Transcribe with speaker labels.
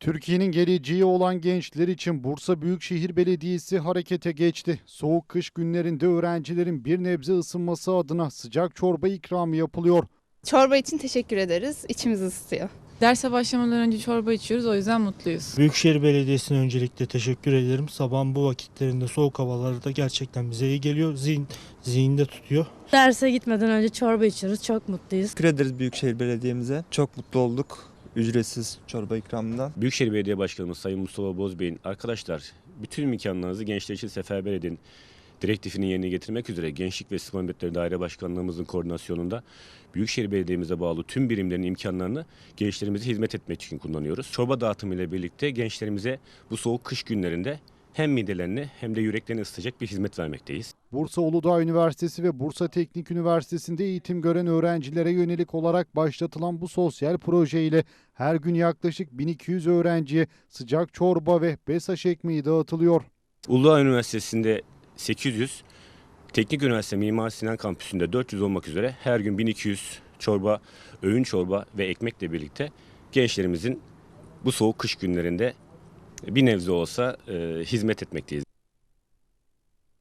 Speaker 1: Türkiye'nin geleceği olan gençler için Bursa Büyükşehir Belediyesi harekete geçti. Soğuk kış günlerinde öğrencilerin bir nebze ısınması adına sıcak çorba ikramı yapılıyor.
Speaker 2: Çorba için teşekkür ederiz. İçimiz ısıtıyor.
Speaker 3: Derse başlamadan önce çorba içiyoruz, o yüzden mutluyuz.
Speaker 4: Büyükşehir Belediyesi'ne öncelikle teşekkür ederim. Sabahın bu vakitlerinde soğuk havalarda gerçekten bize iyi geliyor. Zihinde tutuyor.
Speaker 5: Derse gitmeden önce çorba içiyoruz. Çok mutluyuz.
Speaker 6: Teşekkür ederiz Büyükşehir Belediye'mize. Çok mutlu olduk ücretsiz çorba ikramından.
Speaker 7: Büyükşehir Belediye Başkanımız Sayın Mustafa Bozbey'in arkadaşlar bütün imkanlarınızı gençler için seferber edin direktifini yerine getirmek üzere Gençlik ve Spor Hizmetleri Daire Başkanlığımızın koordinasyonunda Büyükşehir Belediye'mize bağlı tüm birimlerin imkanlarını gençlerimize hizmet etmek için kullanıyoruz. Çorba dağıtımı ile birlikte gençlerimize bu soğuk kış günlerinde hem midelerini hem de yüreklerini ısıtacak bir hizmet vermekteyiz.
Speaker 1: Bursa Uludağ Üniversitesi ve Bursa Teknik Üniversitesi'nde eğitim gören öğrencilere yönelik olarak başlatılan bu sosyal proje ile her gün yaklaşık 1200 öğrenciye sıcak çorba ve BESAŞ ekmeği dağıtılıyor.
Speaker 7: Uludağ Üniversitesi'nde 800, Teknik Üniversite Mimar Sinan Kampüsü'nde 400 olmak üzere her gün 1200 çorba, öğün çorba ve ekmekle birlikte gençlerimizin bu soğuk kış günlerinde bir nebze olsa hizmet etmekteyiz.